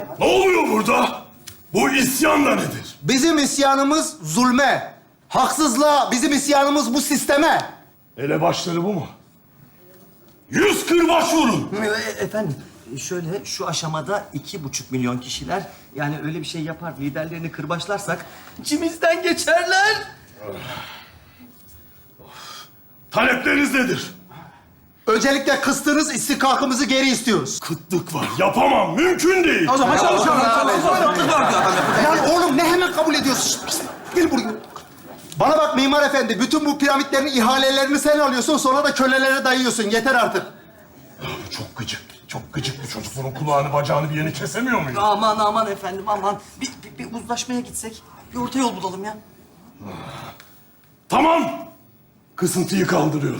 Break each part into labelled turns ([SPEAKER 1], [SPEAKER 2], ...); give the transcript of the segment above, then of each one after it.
[SPEAKER 1] Ne oluyor burada? Bu isyan da nedir?
[SPEAKER 2] Bizim isyanımız zulme, haksızlığa, bizim isyanımız bu sisteme.
[SPEAKER 1] Elebaşları bu mu? 100 kırbaç vurun.
[SPEAKER 3] Efendim, şöyle şu aşamada 2,5 milyon kişiler yani öyle bir şey yapar, liderlerini kırbaçlarsak içimizden geçerler.
[SPEAKER 1] Talepleriniz nedir?
[SPEAKER 2] Öncelikle kıstığınız istihkakımızı geri istiyoruz.
[SPEAKER 1] Kıtlık var. Yapamam. Mümkün değil.
[SPEAKER 4] O zaman çalışalım.
[SPEAKER 2] Lan oğlum ne hemen kabul ediyorsun? Şişt, gel buraya. Bana bak mimar efendi, bütün bu piramitlerin ihalelerini sen alıyorsun, sonra da kölelere dayıyorsun. Yeter artık.
[SPEAKER 1] Bu çok gıcık. Çok gıcık bir çocuk. Bunun kulağını, bacağını bir yerini kesemiyor muyum?
[SPEAKER 3] Aman efendim, aman. Bir uzlaşmaya gitsek, bir orta yol bulalım ya.
[SPEAKER 1] Tamam. Kısıntıyı kaldırıyorum.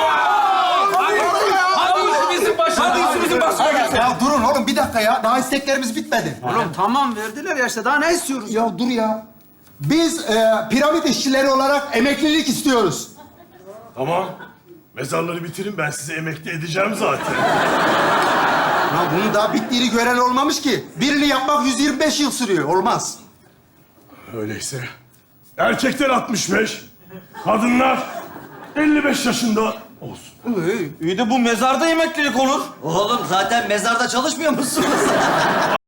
[SPEAKER 2] Ya durun oğlum bir dakika ya. Daha isteklerimiz bitmedi.
[SPEAKER 4] Oğlum tamam verdiler ya işte. Daha ne istiyoruz?
[SPEAKER 2] Ya dur ya. Biz piramit işçileri olarak emeklilik istiyoruz.
[SPEAKER 1] Tamam. Mezarları bitirin. Ben sizi emekli edeceğim zaten.
[SPEAKER 2] Ya bunun daha bittiğini gören olmamış ki. Birini yapmak 125 yıl sürüyor. Olmaz.
[SPEAKER 1] Öyleyse erkekler 65, kadınlar 55 yaşında olsun.
[SPEAKER 4] İyi de bu mezarda emeklilik olur.
[SPEAKER 3] Oğlum zaten mezarda çalışmıyor musunuz?